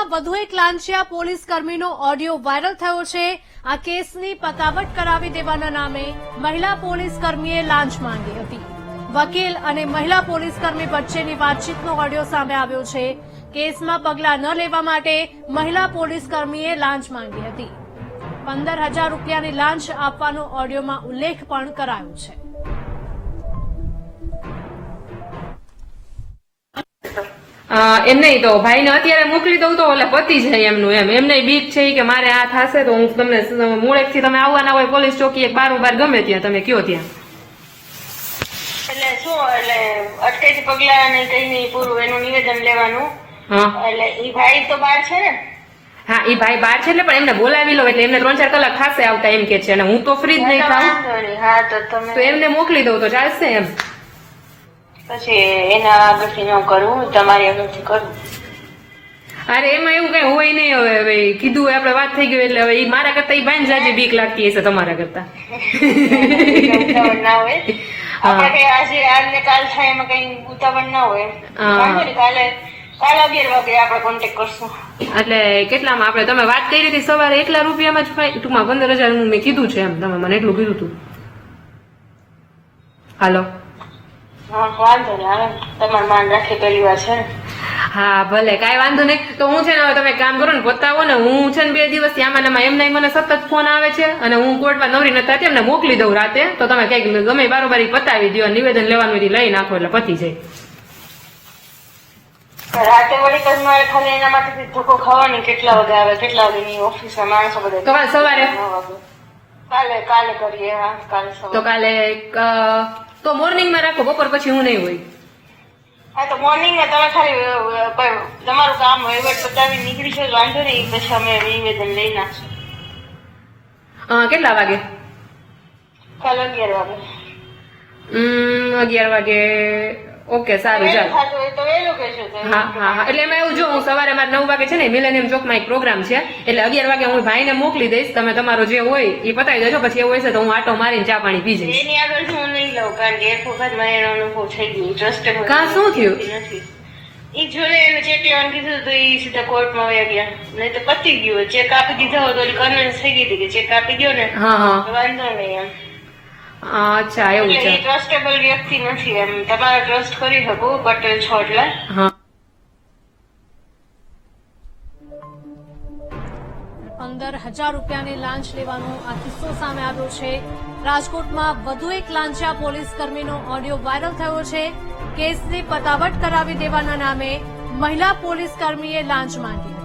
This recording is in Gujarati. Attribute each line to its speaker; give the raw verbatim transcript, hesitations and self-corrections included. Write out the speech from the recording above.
Speaker 1: રાજકોટમાં વધુ એક લાંચિયા પોલીસ કર્મીનો ઓડિયો વાયરલ થયો છે। આ કેસની પતાવટ કરાવી દેવાના નામે મહિલા પોલીસ કર્મીએ લાંચ માંગી હતી। વકીલ અને મહિલા પોલીસ કર્મી વચ્ચેની વાતચીતનો ઓડિયો સામે આવ્યો છે। કેસમાં પગલાં ન લેવા માટે મહિલા પોલીસ કર્મીએ લાંચ માંગી હતી। પંદર હજાર રૂપિયાની લાંચ આપવાનો ઓડિયોમાં ઉલ્લેખ પણ કરાયો છે।
Speaker 2: એમ નહીં તો ભાઈને અત્યારે મોકલી દઉં તો એટલે પતી જાય એમનું એમ એમને બીક છે કે મારે આ થશે તો હું તમને મૂળેકથી તમે આવવાના હોય પોલીસ ચોકી એક બાર બાર ગમે ત્યાં તમે કયો ત્યાં
Speaker 3: એટલે શું એટલે અટકાયતી પગલા ને કઈ નહીં પૂરું એનું નિવેદન લેવાનું। એટલે ઈ ભાઈ તો બહાર છે ને?
Speaker 2: હા ઈ ભાઈ બહાર છે એટલે પણ એમને બોલાવી લો એટલે એમને ત્રણ ચાર કલાક ખાસે આવતા એમ કે છે અને હું તો ફ્રી જ નહીં થાઉં
Speaker 3: હા તો તમે
Speaker 2: તો એમને મોકલી દઉં તો ચાલશે એમ।
Speaker 3: પછી એના આગળથી ન કરવું તમારી આગળથી કરવું।
Speaker 2: અરે એમાં એવું કઈ હોય નહીં હવે હવે કીધું આપડે વાત થઈ ગયું એટલે હવે ઈ મારા કરતા ઈ ભાઈ જાજી બીક લાગતી હશે તમારા કરતા
Speaker 3: ના હોય આપણે કઈ આજે આજ ને કાલ થાય એમાં કઈ ઉતાવળ ના હોય વાંધો નહીં કાલે કાલે અગિયાર વાગે આપણે કોન્ટેક્ટ કરશું।
Speaker 2: એટલે કેટલામાં આપણે તમે વાત કરી હતી સવારે એટલા રૂપિયામાં જ ટૂંકમાં પંદર હજાર નું મેં કીધું છે એમ તમે મને એટલું કીધું હતું। હાલો
Speaker 3: હા વાંધો નહીં આવે તમારું માન રાખી પહેલી વાર છે ને।
Speaker 2: હા ભલે કઈ વાંધો નહીં તો હું છે ને હવે તમે કામ કરો ને પતાવો ને હું છે ને બે દિવસથી આમાં એમાં એમને મને સતત ફોન આવે છે અને હું કોર્ટમાં નવરી નથી થતી એમને મોકલી દઉં રાતે તો તમે કઈક ગમે બારોબારી પતાવી દો નિવેદન લેવાનું લઈ નાખો એટલે પતી જાય।
Speaker 3: રાતે વળી કઈ મારે ખાલી એના માટે ધક્કો ખાવાની કેટલા વાગે આવે કેટલા વાગે ઓફિસ માણસો બધા
Speaker 2: તો કાલ સવારે
Speaker 3: કાલે કાલે કરીએ હા કાલે
Speaker 2: તો કાલે તો મોર્નિંગ માં રાખો બપોર પછી હું નહીં હોય।
Speaker 3: હા તો મોર્નિંગ માં તમે ખાલી તમારું કામ વહીવટ પતાવી નીકળી છે વાંધો નહીં પછી અમે નિવેદન લઈ નાખશું।
Speaker 2: કેટલા વાગે?
Speaker 3: કાલે અગિયાર વાગે।
Speaker 2: હમ અગિયાર વાગે ઓકે સારું ચાલો। હા હા હા એટલે એમાં એવું જો હું સવારે મારે નવ વાગે છે ને મિલેનિયમ ચોકમાં એક પ્રોગ્રામ છે એટલે અગિયાર વાગે હું ભાઈને મોકલી દઈશ તમે તમારો જે હોય એ પતાવી દેજો પછી એવું હશે તો હું આટો મારીને ચા પાણી પી જઈશ।
Speaker 3: એની આગળ હું નહીં લઉં કારણ કે એક વખત મારે એનો અનુભવ થઈ ગયો ટ્રસ્ટેબલ
Speaker 2: કા શું થયું
Speaker 3: નથી એ જોડે એને ચેક લેવાનું કીધું તો એ સીધા કોર્ટમાં વયા ગયા નહીં તો પતી ગયું ચેક આપી દીધા હોય તો કન્વિન્સ થઈ ગઈ હતી કે ચેક આપી ગયો ને
Speaker 2: હા હા
Speaker 3: વાંધો નહીં એમ।
Speaker 2: અચ્છા એવું છે
Speaker 3: ટ્રસ્ટેબલ વ્યક્તિ નથી એમ તમારે ટ્રસ્ટ કરી શકો પટેલ છો એટલે
Speaker 2: હા
Speaker 1: પંદર હજાર રૂપિયાની લાંચ લેવાનો આ કિસ્સો સામે આવ્યો છે। રાજકોટમાં વધુ એક લાંચિયા પોલીસ કર્મીનો ઓડિયો વાયરલ થયો છે। કેસની પતાવટ કરાવી દેવાના નામે મહિલા પોલીસ કર્મીએ લાંચ માંગી।